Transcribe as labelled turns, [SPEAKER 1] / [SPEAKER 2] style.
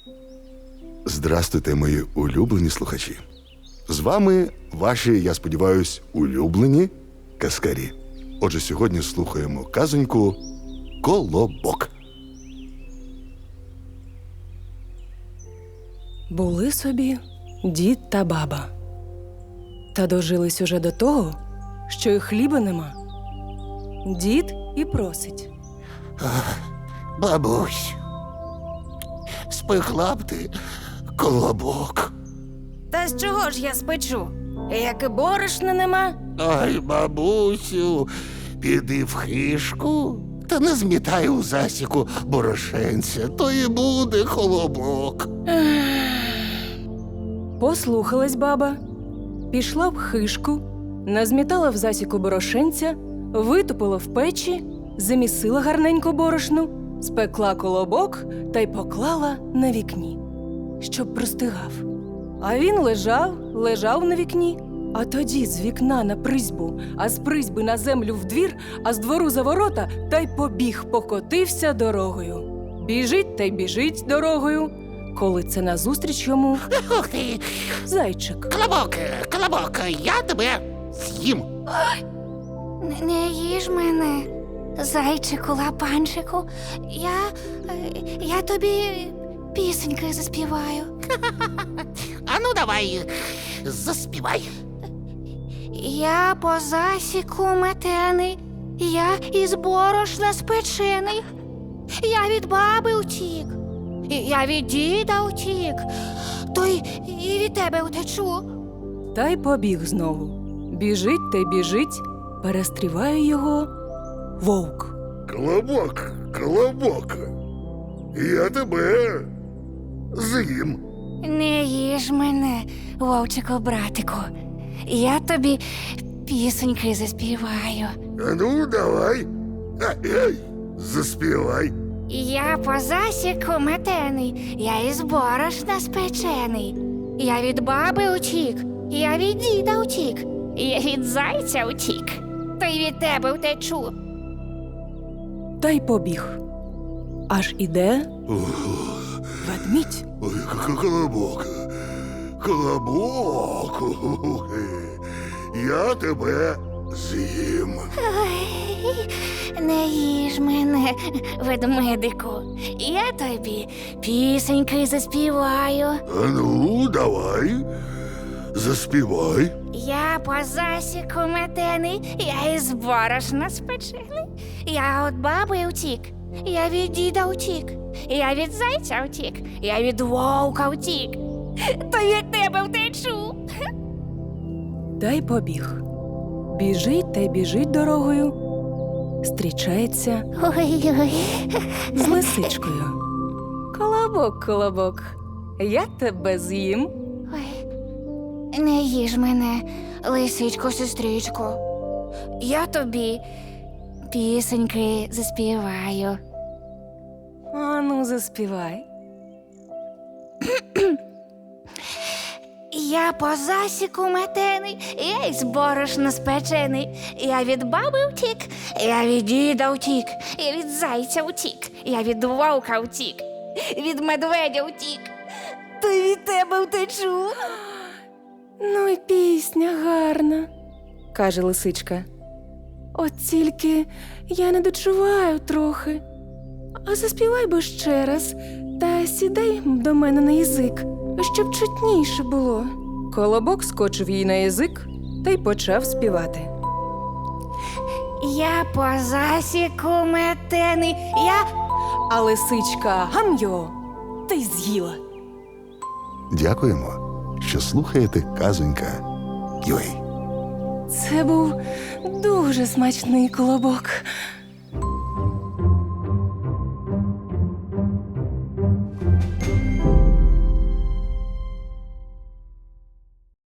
[SPEAKER 1] Здрастуйте, мої улюблені слухачі. З вами ваші, я сподіваюсь, улюблені казкарі. Отже, сьогодні слухаємо казоньку «Колобок».
[SPEAKER 2] Були собі дід та баба. Та дожились уже до того, що й хліба нема. Дід і просить.
[SPEAKER 3] Бабусь, спекла б ти колобок.
[SPEAKER 2] Та з чого ж я спечу? Як і борошна нема.
[SPEAKER 3] Ой, бабусю, піди в хишку та не змітай у засіку борошенця, то і буде колобок.
[SPEAKER 2] Послухалась баба, пішла в хишку, назмітала в засіку борошенця, витопила в печі, замісила гарненько борошну, спекла колобок та й поклала на вікні, щоб простигав. А він лежав на вікні, а тоді з вікна на призьбу, а з призьби на землю в двір, а з двору за ворота, та й побіг, покотився дорогою. Біжить та й біжить дорогою, коли це назустріч йому
[SPEAKER 3] Ух ти,
[SPEAKER 2] зайчик.
[SPEAKER 3] колобок, я тебе з'їм.
[SPEAKER 4] Не їж мене, зайчику, лапанчику. Я тобі пісеньки заспіваю.
[SPEAKER 3] Ану, давай, заспівай.
[SPEAKER 4] Я по засіку метений, я із борошна спечений. Я від баби утік, я від діда утік, то й і від тебе утечу.
[SPEAKER 2] Та й побіг знову. Біжить та й біжить, перестріває його вовк.
[SPEAKER 1] Колобок, я тебе з'їм.
[SPEAKER 4] Не їж мене, вовчику, братику. Я тобі пісеньки заспіваю.
[SPEAKER 1] Ну, давай, заспівай.
[SPEAKER 4] Я по засіку метений, я із борошна спечений. Я від баби утік, я від діда утік, я від зайця утік, то й від тебе втечу.
[SPEAKER 2] Та й побіг. Аж іде ведмідь.
[SPEAKER 1] Ой, колобок, я тебе з'їм.
[SPEAKER 4] Ой, не їж мене, ведмедику, я тобі пісеньки заспіваю.
[SPEAKER 1] А ну, давай, заспівай.
[SPEAKER 4] Я по засіку метений, я із борошна спечений. Я від баби утік, я від діда утік, я від зайця утік, я від вовка утік, то від тебе втечу.
[SPEAKER 2] Та й побіг. Біжить та й біжить дорогою, зустрічається
[SPEAKER 4] Ой-ой.
[SPEAKER 2] з лисичкою. Колобок, я тебе з'їм.
[SPEAKER 4] Ой, не їж мене, лисичко, сестричко. Я тобі пісеньки заспіваю.
[SPEAKER 2] Ану, заспівай.
[SPEAKER 4] Я по засіку метений, я із борошна спечений. Я від баби втік, я від діда втік, я від зайця втік, я від вовка втік, від медведя втік, то й від тебе втечу.
[SPEAKER 2] Ну й пісня гарна, каже лисичка. От тільки я не дочуваю трохи. А заспівай би ще раз та сідай до мене на язик, щоб чутніше було. Колобок скочив їй на язик та й почав співати.
[SPEAKER 4] Я по засіку метений,
[SPEAKER 2] А лисичка гам'йо та й з'їла.
[SPEAKER 1] Дякуємо, що слухаєте казонька UA.
[SPEAKER 2] Це був дуже смачний колобок.